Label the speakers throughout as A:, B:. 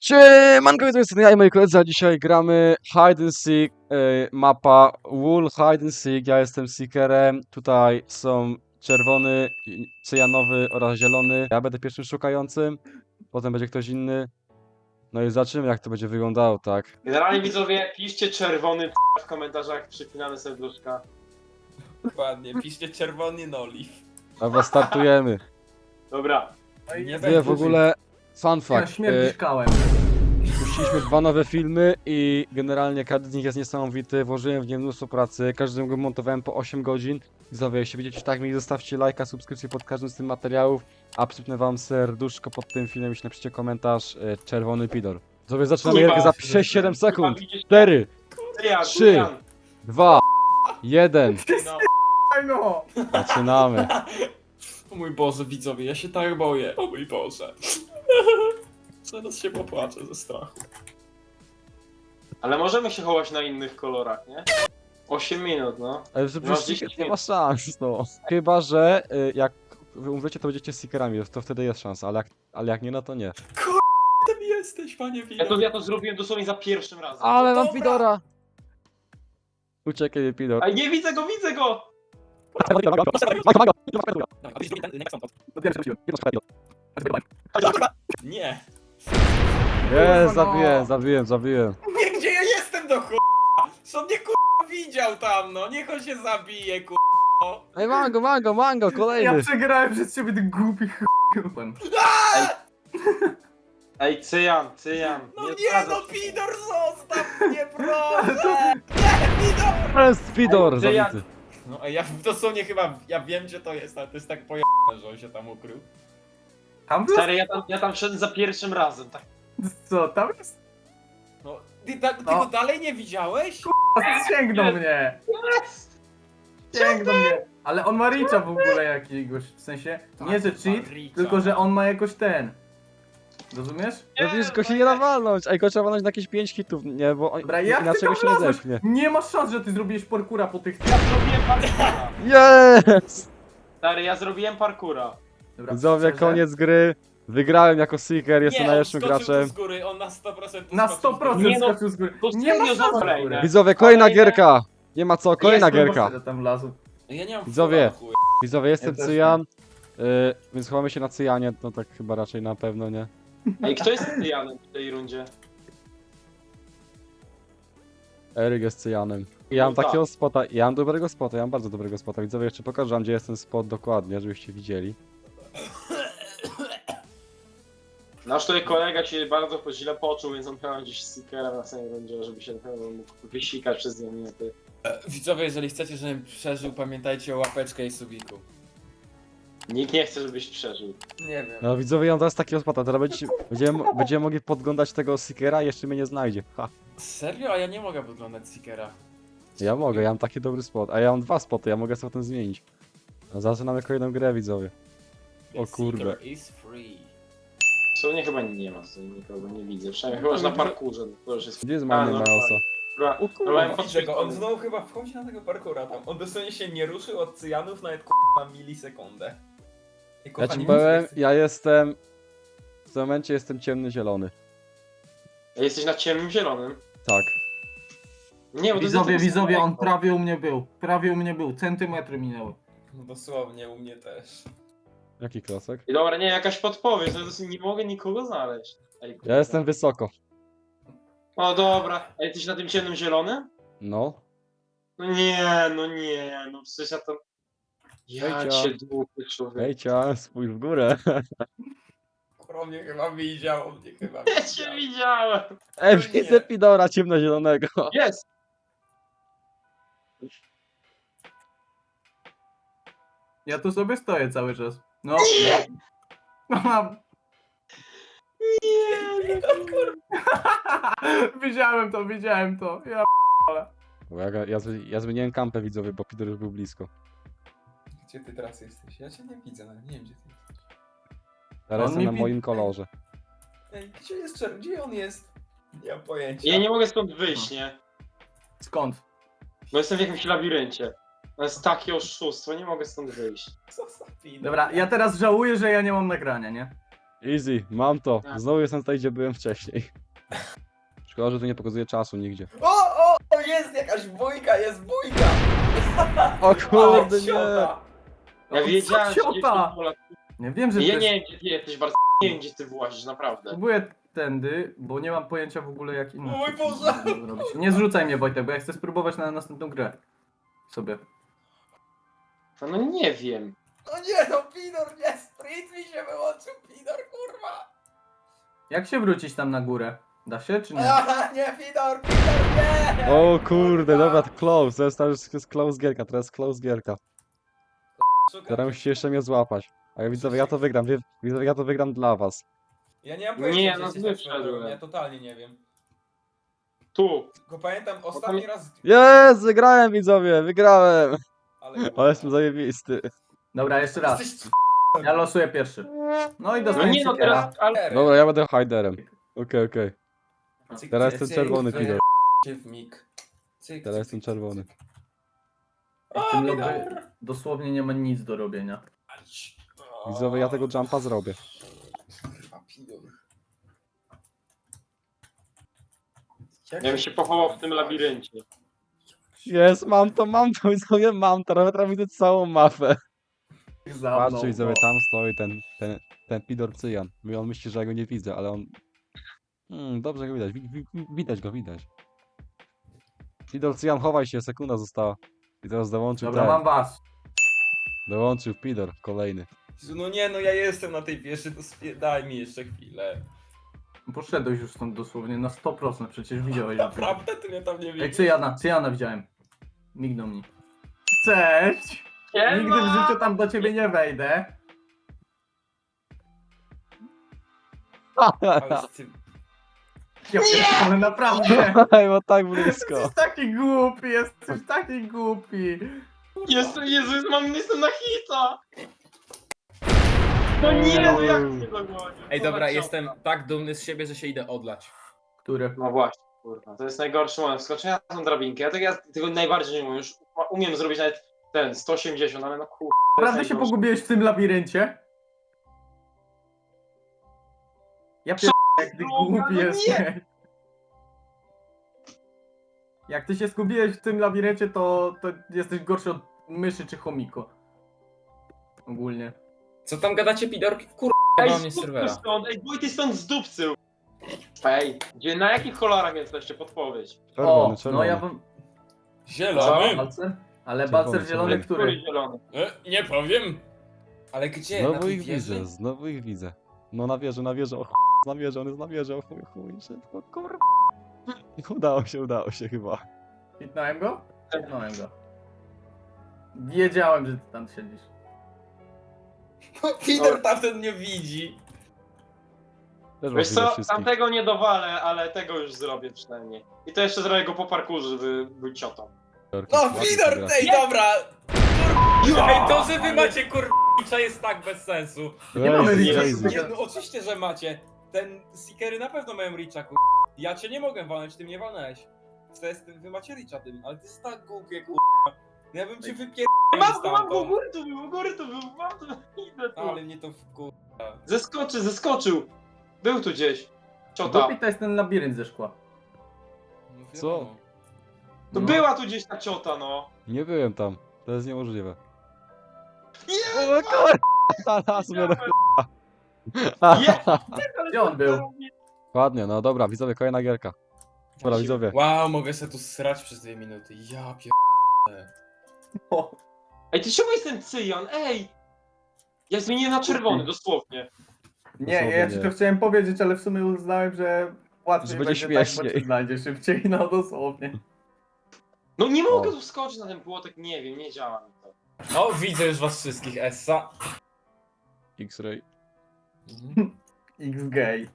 A: Siemanko, to jest ja i moi koledzy, a dzisiaj gramy Hide and Seek, mapa Wool Hide and Seek, ja jestem Seekerem, tutaj są czerwony, cyjanowy oraz zielony, ja będę pierwszym szukającym, potem będzie ktoś inny, no i zobaczymy jak to będzie wyglądało, tak?
B: Generalnie widzowie, piszcie czerwony w komentarzach, przypinamy serduszka.
C: Dokładnie, piszcie czerwony noliv.
A: Dobra, startujemy.
B: Dobra.
C: Nie
A: Wie w ogóle, fun
D: Ja
A: fact,
D: śmierdziszkałem.
A: puściliśmy dwa nowe filmy i generalnie każdy z nich jest niesamowity, włożyłem w nie mnóstwo pracy, każdy go montowałem po 8 godzin. Widzowie, jeśli widzicie tak mi zostawcie lajka, subskrypcję pod każdym z tych materiałów, a przypnę wam serduszko pod tym filmem, jeśli napiszecie komentarz czerwony pidor. Widzowie, zaczynamy
B: Kurwa,
A: gierkę za 6-7 sekund. 4, 3, 2, 1.
D: No!
A: Zaczynamy.
C: O mój Boże, widzowie, ja się tak boję. O mój Boże. Zaraz się popłaczę ze strachu.
B: Ale możemy się chować na innych kolorach, nie? 8 minut, no.
A: Ale że
B: Masz
A: przecież
B: 10
A: nie ma szans, no. Chyba, że jak wy umrzecie, to będziecie seekerami, to wtedy jest szansa, ale jak nie, no to nie.
C: Ty jesteś, panie widzowie.
B: Ja to zrobiłem dosłownie za pierwszym razem.
A: Ale mam
C: dobra.
A: pidora! Uciekaj, pidor.
B: A nie widzę go, widzę go!
C: Nie.
A: Jest,
D: no.
A: zabiłem.
C: Nie, gdzie ja jestem do ch**a? Co mnie k***a widział tam, no? Niech on się zabije, k***a.
A: Ej, mango,
D: Ja
A: kolejny.
D: przegrałem przez ciebie, ty głupi ch***łem.
B: Ej, cyjan.
C: No nie,
B: zgadzam
C: no
B: się.
C: Pidor, zostaw mnie, proszę! Nie, Pidor!
A: To jest pidor,
B: Ej, ja-
A: zabity.
C: No, a ja dosłownie chyba, ja wiem gdzie to jest, ale to jest tak pojebane, że on się tam ukrył.
D: Tam był?
B: Stary, ja tam wszedłem za pierwszym razem, tak.
D: Co, tam jest?
C: No, ty
D: No.
C: go dalej nie widziałeś?
D: Sięgnął mnie! Sięgnął mnie! Ale on ma reacha w ogóle jakiegoś, w sensie, nie że
C: Tak,
D: cheat,
C: ma reacha.
D: tylko że on ma jakoś ten. Rozumiesz?
A: No wiesz, go się nie da walnąć. Ej, go trzeba walnąć na jakieś 5 hitów, nie, bo
D: Dobra, jak ty
A: inaczej
D: tam
A: go się nie
D: wlazłeś?
A: zepchnie.
D: Nie masz szans, że ty zrobiłeś parkura po tych...
B: Ja zrobiłem parkura.
A: Jest!
B: Stary, ja zrobiłem parkura.
D: Dobra,
A: Widzowie,
D: szczerze?
A: koniec gry. Wygrałem jako Seeker, jestem
C: Nie, on
A: najlepszym
C: skoczył tu
A: graczem.
C: z góry, on na 100% tu
D: Na
C: skoczył z
D: 100%
C: góry.
B: Nie no,
D: skoczył z góry.
B: to
D: Nie ma
B: serio,
D: szans w
B: kolejne.
D: ogóle.
A: Widzowie, kolejna
B: Kolejne.
A: gierka. Nie ma co, kolejna
B: Jest,
A: gierka.
D: Że tam wlazł.
C: Ja nie mam
A: Widzowie.
C: chuja.
A: Widzowie, jestem
D: też
A: Cyjan. Więc chowamy się na Cyjanie, no tak chyba raczej na pewno nie.
B: Ej, kto jest cyjanem w tej rundzie?
A: Eryk jest Cyjanem. Ja mam
B: No tak.
A: takiego spota, ja mam dobrego spota, ja mam bardzo dobrego spota. Widzowie, jeszcze pokażę wam, gdzie jest ten spot dokładnie, żebyście widzieli.
B: Nasz tutaj kolega się bardzo źle poczuł, więc on chyba gdzieś seekera na samej rundzie, żeby się na pewno mógł wysikać przez 2 minuty.
C: Widzowie, jeżeli chcecie, żebym przeżył, pamiętajcie o łapeczkę i subiku.
B: Nikt nie chce, żebyś przeżył.
C: Nie wiem.
A: No widzowie, ja mam teraz takiego spota, teraz będziemy mogli podglądać tego Seekera i jeszcze mnie nie znajdzie. Ha.
C: Serio? A ja nie mogę podglądać Seekera.
A: Ja mogę, ja mam taki dobry spot, a ja mam 2 spoty, ja mogę sobie potem zmienić. No, zaczynamy kolejną grę, widzowie. O kurde.
C: Seeker is free.
B: W sumie chyba nie ma, tutaj nikogo nie widzę. Przynajmniej chyba, że na parkurze, to już jest...
A: Gdzie jest
B: A,
A: mamy
B: no,
A: Milesa?
B: Dobra,
C: O
B: dobra, ja
C: kurwa, widzę go, on znowu chyba wchodzi na tego parkura tam. On dosłownie się nie ruszył od cyjanów nawet na milisekundę. I,
A: Ja
C: kochani,
A: ci powiem,
C: widzowie,
A: ja jestem... W tym momencie jestem ciemny zielony.
B: Jesteś na ciemnym zielonym?
A: Tak.
B: Nie, bo to jest
D: Widzowie,
B: tego
D: widzowie, on
B: samego.
D: prawie u mnie był. Prawie u mnie był. Centymetry minęły.
C: No dosłownie, u mnie też.
A: Jaki klocek?
B: I dobra, nie, jakaś podpowiedź, no to nie mogę nikogo znaleźć. Ej, kurwa.
A: Ja jestem wysoko.
B: O dobra, a jesteś na tym ciemnym zielonym?
A: No.
B: No nie, no przecież ja to... Ja
A: Hejcia.
B: cię długo, człowiek.
A: Hejcia, spójrz w górę.
C: Kurwa, mnie chyba widział, on mnie chyba
B: Ja cię widziałem!
A: Ej,
C: nie.
A: widzę pidora ciemnozielonego.
B: Jest!
D: Ja tu sobie stoję cały czas. No. No mam.
B: Nie,
D: Widziałem to. Ja
A: Bo ja zmieniłem kampę widzowie, bo pidor już był blisko.
C: Gdzie ty teraz jesteś? Ja cię nie widzę, nawet nie wiem gdzie ty jesteś.
A: Teraz
D: On
A: jestem
D: mi
A: na
D: pi-
A: moim kolorze.
C: Ej, gdzie jest czerw? Gdzie on jest? Nie mam pojęcia.
B: Ja nie mogę stąd wyjść, nie?
D: Skąd?
B: Bo jestem w jakimś labiryncie. To jest takie oszustwo, nie mogę stąd wyjść.
C: Co za pidor?
D: Dobra, ja teraz żałuję, że ja nie mam nagrania, nie?
A: Easy, mam to.
B: Tak.
A: Znowu jestem tutaj, gdzie byłem wcześniej. Szkoda, że tu nie pokazuje czasu nigdzie.
C: O, jest jakaś bójka, jest bójka!
A: O kurde, nie!
C: ciota.
B: Ja wiedziałem, że
D: ciota?
B: jest Polak.
D: Nie wiem, że
B: Ja
D: ty
B: nie wiem, gdzie ty jesteś, bardzo nie wiem, gdzie ty włazisz, naprawdę.
D: próbuję tędy, bo nie mam pojęcia w ogóle jak inaczej.
C: O mój Boże!
D: to zrobić. Nie zrzucaj mnie, Wojtek, bo ja chcę spróbować na następną grę. Sobie.
B: No nie wiem.
C: No nie, no Pidor, nie, sprint mi się wyłączył, Pidor, kurwa!
D: Jak się wrócić tam na górę? Da się, czy nie?
C: A, nie, Pidor, nie!
A: O kurde, dobra, to close. To jest close gierka, teraz jest close gierka. Teraz musicie jeszcze mnie złapać. A ja widzowie, ja to wygram, widzowie, ja to wygram dla was.
C: Ja nie mam
B: Nie,
C: pojęcia,
B: no
C: gdzie
B: zły
C: jesteś tak swoją drogą,
B: wszedłem.
C: ja totalnie nie wiem.
B: Tu.
C: Tylko pamiętam ostatni raz,
A: Jest, wygrałem widzowie, wygrałem.
C: ale...
A: Ale jestem zajebisty.
D: Dobra, jeszcze raz.
C: Jesteś
D: Ja losuję pierwszy. No i
B: No
D: dostaję
B: nie, no
D: Seekera.
B: teraz... Ale...
A: Dobra, ja będę hiderem. Okej.
C: Cyk,
A: Teraz
C: cyk,
A: jestem
C: cyk,
A: czerwony,
C: cyk,
A: Pidor.
C: w mig. Cyk,
A: Teraz
C: cyk,
A: jestem
C: cyk,
A: czerwony.
C: cyk.
D: W tym
C: O,
D: lobby
C: Pidor!
D: dosłownie nie ma nic do robienia.
A: Widzowie, ja tego jumpa zrobię.
C: A, Pidor.
B: Ja bym się pochował w tym labiryncie.
A: Jest, mam to, widzowie, mam to. Nawet widzę całą mapę.
D: Za mną,
A: Patrzcie, widzowie,
D: no.
A: tam stoi ten Pidor Cyjan. On myśli, że ja go nie widzę, ale on... dobrze go widać, widać go, widać. Pidor Cyjan, chowaj się, sekunda została. I teraz dołączył
D: Dobra,
A: ten.
D: mam was.
A: Dołączył Pidor, kolejny.
C: No nie, no ja jestem na tej wieży, to daj mi jeszcze chwilę.
D: Poszedłeś już stąd dosłownie na 100%, przecież widziałeś.
C: Naprawdę, ty mnie tam nie
D: Ej,
C: widzisz?
D: Cyjana widziałem. Mignął mi. Cześć! Nigdy w życiu tam do ciebie nie wejdę.
C: Ale z tym...
D: Ja pierdolę, naprawdę.
A: Ej, bo tak blisko.
D: Jesteś taki głupi, jesteś taki głupi.
B: Jestem na hita! No nie, no jak się dogonił?
C: Ej, dobra, jestem tak dumny z siebie, że się idę odlać.
D: Który?
B: No właśnie, kurwa, to jest najgorszy moment. Wskoczenia na tą drabinkę, ja tego najbardziej nie umiem. Już umiem zrobić nawet ten 180, ale no kurwa. to jest
D: Naprawdę się
B: najgorsze.
D: pogubiłeś w tym labiryncie? Ja pierdolę, jak ty
B: droga,
D: głupi
B: no nie!
D: jesteś. Jak ty się zgubiłeś w tym labiryncie, to jesteś gorszy od myszy czy chomiko. Ogólnie.
C: Co tam gadacie, Pidorki? Kurwa,
B: Ej,
C: mam mnie z
B: zdupcy
C: serwera.
B: stąd, ej, Wojty stąd zdupcył! Ej, na jakich kolorach jesteście? Podpowiedź.
A: Czerwony,
D: O,
A: czerwony.
D: no ja bym...
C: Zielony?
D: Balcer? Ale
A: Czerwony,
D: balcer zielony,
A: czerwony.
D: który?
B: Który zielony?
C: Nie powiem. Ale gdzie? Na
A: Znowu
C: tej
A: ich
C: wieży?
A: widzę, znowu ich widzę. No na wieży, o na wieży, on jest na wieży, o chuj, szybko, kurwa. Udało się chyba.
D: Hitnąłem go? Hitnąłem go. Wiedziałem, że ty tam siedzisz.
C: Pidor tamten nie widzi.
A: Też
B: Wiesz
A: was
B: co,
A: widzę wszystkich.
B: tamtego nie dowalę, ale tego już zrobię przynajmniej. I to jeszcze zrobię go po parkurze, żeby był ciotą.
C: No,
A: Ładnie
C: Pidor,
A: teraz.
C: tej, dobra! Ej, to, że wy macie kurwa jest tak bez sensu.
D: Nie mamy
A: Crazy,
D: Richa.
A: crazy.
C: Nie, no oczywiście, że macie. Ten Seekery na pewno mają Richa, kur... Ja cię nie mogę walnąć, ty mnie walnęłeś. To jest, wy macie Richa tym, ale ty jest tak głupie, kur... No ja bym cię wypierdolił
B: Mam go, u
C: stamtąd.
B: góry tu był, mam to, idę tu.
C: Ale mnie to kur...
B: Zeskoczył! Był tu gdzieś. Ciota.
D: Głupi to jest ten labirynt ze szkła.
C: No
A: Co?
C: wiadomo.
B: To
D: No.
B: była tu gdzieś ta ciota, no.
A: Nie byłem tam, to jest niemożliwe.
B: Nie!
A: O kurwa, nas mnie
D: Gdzie on był?
A: Ładnie, no dobra, widzowie, kolejna gierka. Dobra, widzowie.
C: Wow, mogę se tu srać przez 2 minuty. Ja pier...
B: Ej, ty czemu jest ten cyjan? Ej! Ja zmieniłem na czerwony, dosłownie.
D: Nie, ja
A: Dosłownie
D: ci
A: nie.
D: to chciałem powiedzieć, ale w sumie uznałem, że łatwiej
A: Że będzie
D: będzie tak, bo
A: śmieszniej.
D: cię znajdzie szybciej, no dosłownie.
B: No nie mogę
A: O.
B: tu wskoczyć na ten płotek, nie wiem, nie działa mi to.
C: No, widzę już was wszystkich, Essa.
A: X-Ray.
D: X-gay.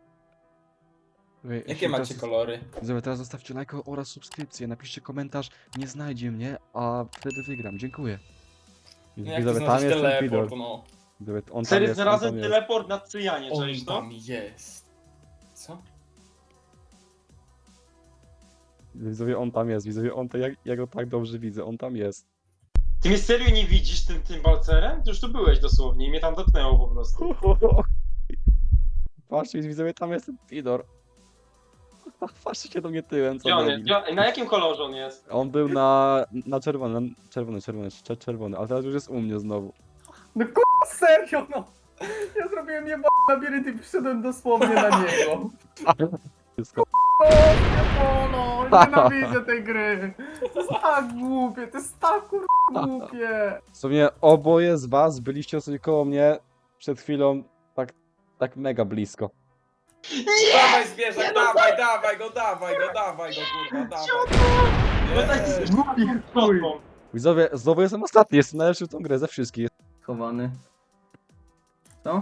C: Jakie macie kolory?
A: Widzowie, teraz zostawcie lajka oraz subskrypcję, napiszcie komentarz, nie znajdzie mnie, a wtedy wygram, dziękuję.
C: No jak ty
A: Widzowie, tam
C: znaleźć
A: jest ten Pidor.
C: teleport, no.
A: Widzowie, on tam
B: Serio,
A: jest, on
B: znalazłem
A: tam jest.
B: teleport na cyjanie,
C: On
B: cześć to?
C: tam jest. Co?
A: Widzowie, on tam jest, widzowie, on to, ja go tak dobrze widzę, on tam jest.
B: Ty mnie serio nie widzisz tym balcerem? Ty już tu byłeś dosłownie i mnie tam dotknęło po prostu.
A: Patrzcie, widzowie, tam jest ten Pidor. Patrzcie się do mnie tyłem, co
B: Gdzie on jest?
A: debil.
B: Na jakim kolorze on jest?
A: On był na czerwony, czerwony, ale teraz już jest u mnie znowu.
D: No serio no! Ja zrobiłem jebany labirynt i przyszedłem dosłownie na niego.
A: Wszystko.
D: O, pierdolo, nienawidzę tej gry. To jest tak głupie, to jest tak głupie.
A: W sumie oboje z was byliście sobie koło mnie przed chwilą tak mega blisko.
C: Dawaj zwierzak, dawaj go, kurwa, dawaj.
B: No tak
C: Jest.
B: jest
D: Głupi chuj.
A: Widzowie, znowu jestem ostatni, jestem najlepszy w tą grę ze wszystkich.
D: Schowany. Co?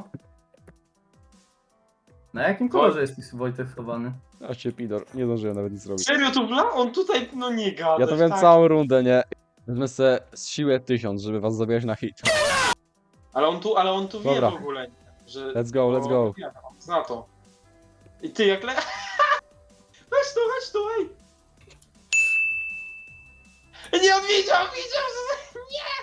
D: Na jakim kolorze jest Wojtek schowany?
A: A się Pidor, nie zdążyłem nawet nic zrobić.
B: Serio tu wla? On tutaj, no nie gada.
A: Ja to wiem
B: tak.
A: całą rundę, nie? Wezmę sobie z siłę 1000, żeby was zabijać na hit.
B: Ale on tu wie
A: Dobra.
B: w ogóle, że...
A: Let's go, let's go.
B: Ja, on zna to. I ty jak Weź tu, ej! Nie, on widział, że...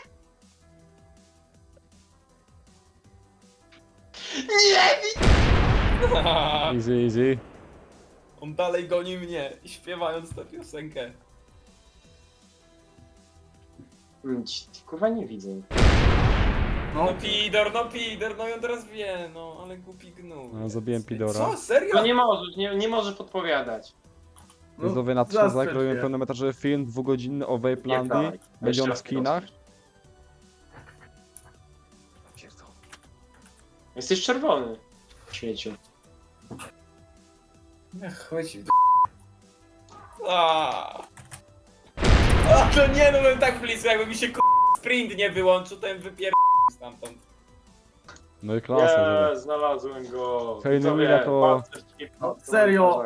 B: Nie!
A: Easy, easy.
C: On dalej goni mnie, śpiewając tę piosenkę.
B: Kurwa nie widzę.
D: No,
C: No Pidor, no i on teraz wie, no, ale głupi gnój.
A: No, zabiłem Pidora.
C: Co, serio?
B: No nie możesz, nie możesz podpowiadać.
A: Widzowie, na 3
D: zastrzel
A: robimy
D: się.
A: pełnometrażowy film, 2-godzinny o
B: Nie,
A: Vaplandii.
B: tak.
A: Będzie on
B: Jeszcze
A: w kinach.
B: raz Jesteś czerwony. Śmieciu.
C: Chodź w A to nie, no byłem tak blisko, jakby mi się sprint nie wyłączył, to bym wypierdolił stamtąd.
A: No i klasa,
B: Nie, znalazłem go.
A: Hej, no
B: Widzowie,
A: Mila to-
B: pancerz taki-
D: No, serio?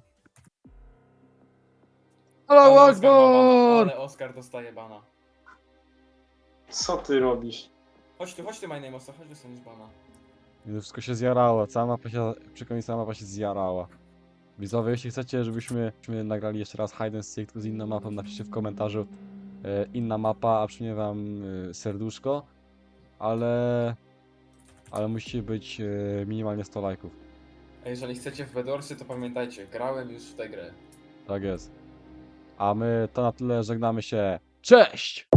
A: Allahu
C: Ale Oskar ma bana,
A: Akbar!
C: ale Oskar dostaje bana.
B: Co ty robisz?
C: Chodź tu, my name, Oskar, chodź dostaniesz bana.
A: I to wszystko się zjarało, cała mapa się, przy końcu cała mapa się zjarała. Widzowie, jeśli chcecie, żebyśmy nagrali jeszcze raz Hide and Seek z inną mapą, napiszcie w komentarzu inna mapa, a przyjmie wam serduszko, ale musicie być minimalnie 100 lajków.
C: A jeżeli chcecie w Bedorsy, to pamiętajcie, grałem już w tę grę.
A: Tak jest. A my to na tyle, żegnamy się. Cześć!